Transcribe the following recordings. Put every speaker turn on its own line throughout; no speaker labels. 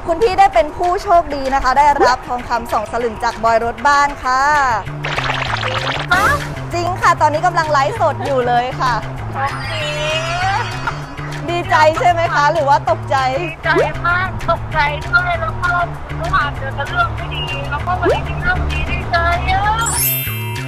คุณพี่ได้เป็นผู้โชคดีนะคะได้รับทองคำ2 สลึงจากบอยรถบ้านค่ะจริงค่ะตอนนี้กำลังไลฟ์สดอยู่เลยค่ะ
โอเค
ดีใจใช่ไหมคะ หรือว่าตกใจ
ดีใจมากตกใจด้วยแล้วก็เมื่อวานเจอแต่เรื่องไม่ดีแล้วก็วันนี้มีเรื่องดีดีใจอ่ะ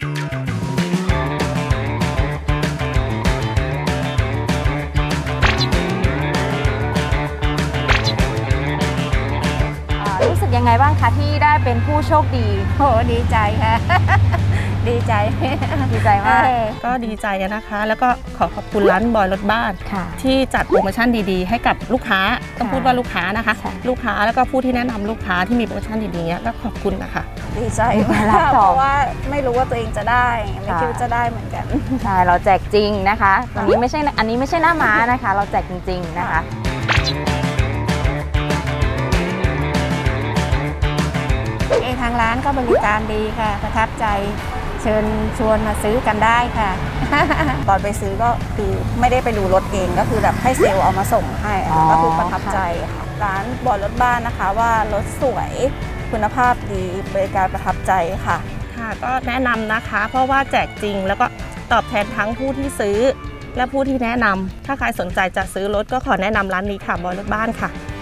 รู้สึกยังไงบ้างคะที่ได้เป็นผู้โชคดี
โหดีใจค่ะ ดีใจ
ดีใจมาก
ก็ดีใจนะคะ แล้วก็ขอขอบคุณร้านบอยรถบ้าน
ค่ะ
ที่จัดโปรโมชั่นดีๆ ให้กับลูกค้าต้องพูดว่าลูกค้านะคะ
ค่ะ
ลูกค้าแล้วก็ผู้ที่แนะนำลูกค้าที่มีโปรโมชั่นดีๆเนี้ยก็ขอบคุณนะคะ
ดีใจมาก
รับ
เพ
ทอง
ราะว่าไม่รู้ว่าตัวเองจะได้ไม่
ค่ะ
คิดว่าจะได้เหมือนกัน
ใช่เราแจกจริงนะคะอันนี้ไม่ใช่หน้าม้านะคะ เราแจกจริงๆนะคะ
ทางร้านก็บริการดีค่ะ ประทับใจเชิญชวนมาซื้อกันได้ค่ะ
ตอนไปซื้อก็คือไม่ได้ไปดูรถเองก็คือแบบให้เซลล์เอามาส่งให้
อ๋อ
ก็คือประทับใจค่ะร้านบอยรถบ้านนะคะว่ารถสวยคุณภาพดีบริการประทับใจค่ะ
ค่ะก็แนะนำนะคะ เพราะว่าแจกจริงแล้วก็ตอบแทนทั้งผู้ที่ซื้อ และผู้ที่แนะนำถ้าใครสนใจจะซื้อรถก็ขอแนะนำร้านนี้ค่ะบอยรถบ้านค่ะ